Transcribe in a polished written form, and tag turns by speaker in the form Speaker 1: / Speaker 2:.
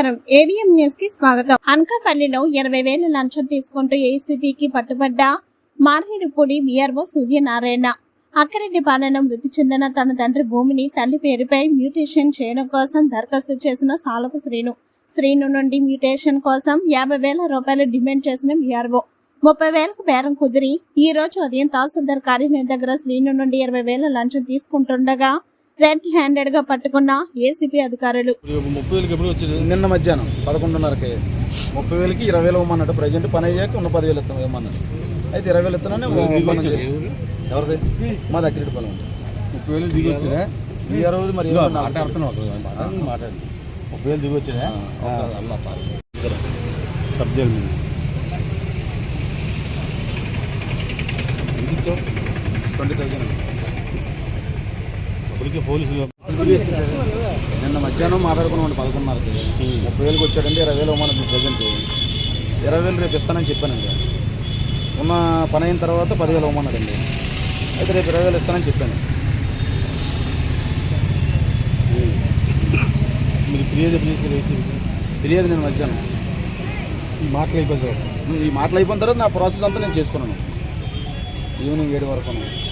Speaker 1: నమస్కారం. AVM news కి స్వాగతం. అనకాపల్లిలో 20,000 లంచం తీసుకుంటూ ఏసీబీకి పట్టుబడ్డ మార్హిడిపూడి వీఆర్ఓ సూర్యనారాయణ. అక్కరెడ్డిపాలెంలో మృతి చెందిన తన తండ్రి భూమిని తల్లి పేరుపై మ్యూటేషన్ చేయడం కోసం దరఖాస్తు చేసిన సాలపు శ్రీను నుండి మ్యూటేషన్ కోసం 50,000 రూపాయలు డిమాండ్ చేసిన వీఆర్ఓ 30,000కు బేరం కుదిరి ఈ రోజు ఉదయం తహసీల్దార్ కార్యాలయం దగ్గర శ్రీను నుండి 20,000 లంచం తీసుకుంటుండగా రెడ్ హ్యాండెడ్ గా పట్టుకున్న ఏసీపీ అధికారులు.
Speaker 2: 30,000 నిన్న మధ్యాహ్నం 11:30కి 30,000కి 20,000 ఇవ్వమన్నాడు. ప్రజెంట్ పని అయ్యాక ఉన్న 10,000 ఇస్తాం ఇవ్వమన్నాడు. అయితే 20,000 ఇస్తానని ఎవరిది మా దగ్గర 30,000 దిగి వచ్చినా ఈ రోజు మరి మాట్లాడుతున్నావు 30,000 దిగి వచ్చినా అల్లా సార్ సబ్జెక్ట్ మీద 20,000 పోలీసులు నిన్న మధ్యాహ్నం మాట్లాడుకున్నామండి 11:30కి 30,000కి వచ్చాడంటే 20,000 ఇవ్వమన్నది. ప్రజెంట్ 20,000 రేపు ఇస్తానని చెప్పానండి. ఉన్న పని అయిన తర్వాత 10,000 ఇవ్వమన్నాడండి. అయితే రేపు 20,000 ఇస్తానని చెప్పాను. మీరు ఫిర్యాదు నేను మధ్యాహ్నం ఈ మాటలు అయిపోయిన తర్వాత నా ప్రాసెస్ అంతా నేను చేసుకున్నాను. ఈవినింగ్ 7 వరకు.